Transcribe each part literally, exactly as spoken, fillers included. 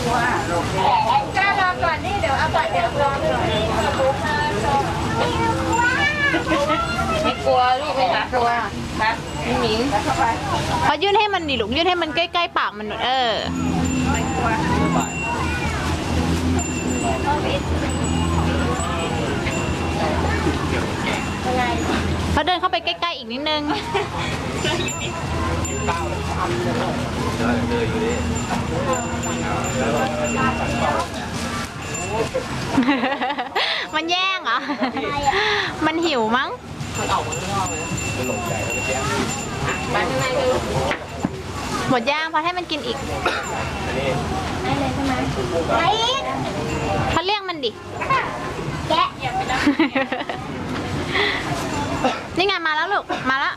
ก้ารอก่อนนี่เดี๋ยวเอาก่อนเดี๋ยวรอก่อนไม่กลัวลูกไม่กลัวนะไม่หมิงพอยื่นให้มันดิลูกยื่นให้มันใกล้ๆปากมันหน่อยเออพอเดินเข้าไปใกล้ๆอีกนิดนึงมันแย่งเหรอมันหิวมั้งหมดย่างพอให้มันกินอีกได้เลยใช่ไหมไปอีกพอเรียกมันดิแกะนี่ไงมาแล้วลูกมาแล้ว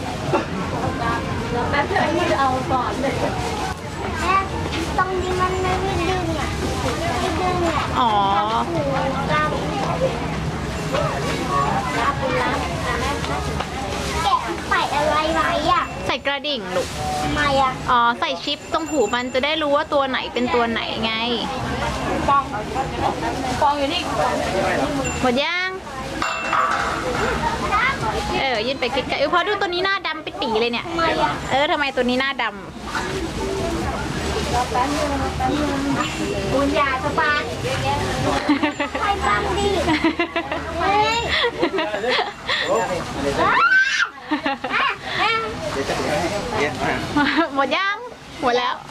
แล้วเธอที่เอาก่อนเลยแม่ตรงนี้มันไม่ดึงอ่ะไม่ดึงอ่ะอ๋อรับรับรับแกะใส่อะไรไว้อ่ะใส่กระดิ่งลูกทำไมอ่ะอ๋อใส่ชิปตรงหูมันจะได้รู้ว่าตัวไหนเป็นตัวไหนไงฟองฟองอยู่นี่หมดย่างเออยืนไปใกล้ๆเออพอดูตัวนี้หน้าดำไปตีเลยเนี่ยเออทำไมตัวนี้หน้าดำบุญญาสปานใครบ้างดิเฮ้ยหมดยังหมดแล้ว